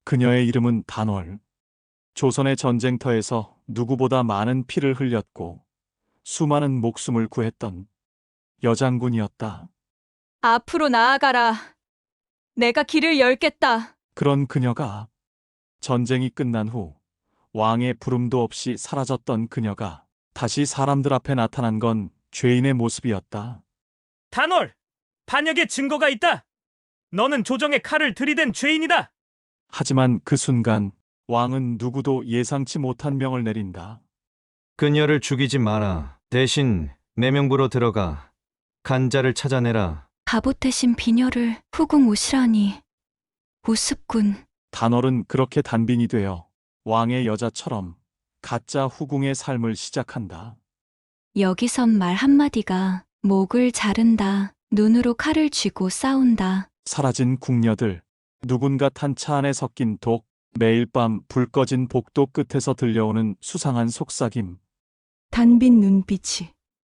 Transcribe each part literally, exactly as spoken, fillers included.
그녀의 이름은 단월. 조선의 전쟁터에서 누구보다 많은 피를 흘렸고 수많은 목숨을 구했던 여장군이었다. 앞으로 나아가라. 내가 길을 열겠다. 그런 그녀가 전쟁이 끝난 후 왕의 부름도 없이 사라졌던 그녀가 다시 사람들 앞에 나타난 건 죄인의 모습이었다. 단월! 반역의 증거가 있다! 너는 조정의 칼을 들이댄 죄인이다! 하지만 그 순간 왕은 누구도 예상치 못한 명을 내린다. 그녀를 죽이지 마라. 대신 내 명부로 들어가 간자를 찾아내라. 바보태신 비녀를 후궁 오시라니. 우습군. 단월은 그렇게 단빈이 되어 왕의 여자처럼 가짜 후궁의 삶을 시작한다. 여기선 말 한마디가 목을 자른다. 눈으로 칼을 쥐고 싸운다. 사라진 궁녀들, 누군가 탄 차 안에 섞인 독, 매일 밤 불 꺼진 복도 끝에서 들려오는 수상한 속삭임. 단빈 눈빛이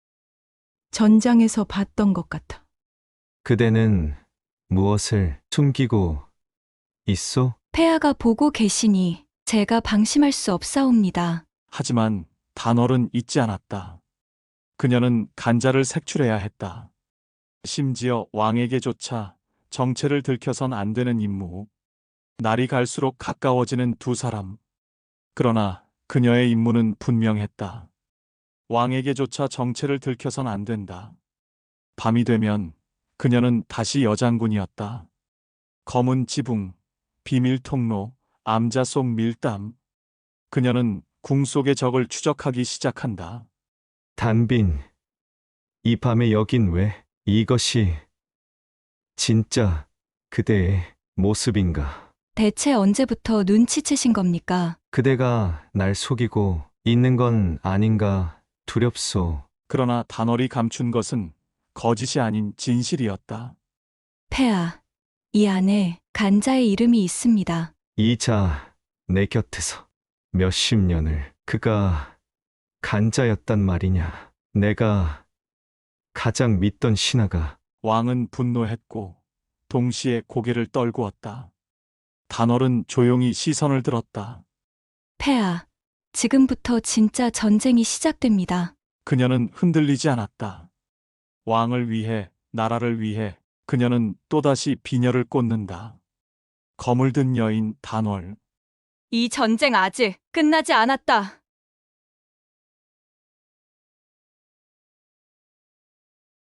전장에서 봤던 것 같아. 그대는 무엇을 숨기고 있소? 폐하가 보고 계시니 제가 방심할 수 없사옵니다. 하지만 단월은 잊지 않았다. 그녀는 간자를 색출해야 했다. 심지어 왕에게조차 정체를 들켜선 안 되는 임무. 날이 갈수록 가까워지는 두 사람. 그러나 그녀의 임무는 분명했다. 왕에게조차 정체를 들켜선 안 된다. 밤이 되면 그녀는 다시 여장군이었다. 검은 지붕, 비밀 통로, 암자 속 밀담. 그녀는 궁 속의 적을 추적하기 시작한다. 단빈, 이 밤에 여긴 왜? 이것이 진짜 그대의 모습인가? 대체 언제부터 눈치채신 겁니까? 그대가 날 속이고 있는 건 아닌가 두렵소. 그러나 단월이 감춘 것은 거짓이 아닌 진실이었다. 폐하, 이 안에 간자의 이름이 있습니다. 이자 내 곁에서 몇십 년을 그가 간자였단 말이냐? 내가 가장 믿던 신하가 왕은 분노했고 동시에 고개를 떨구었다. 단월은 조용히 시선을 들었다. 폐하, 지금부터 진짜 전쟁이 시작됩니다. 그녀는 흔들리지 않았다. 왕을 위해, 나라를 위해 그녀는 또다시 비녀를 꽂는다. 검을 든 여인 단월. 이 전쟁 아직 끝나지 않았다.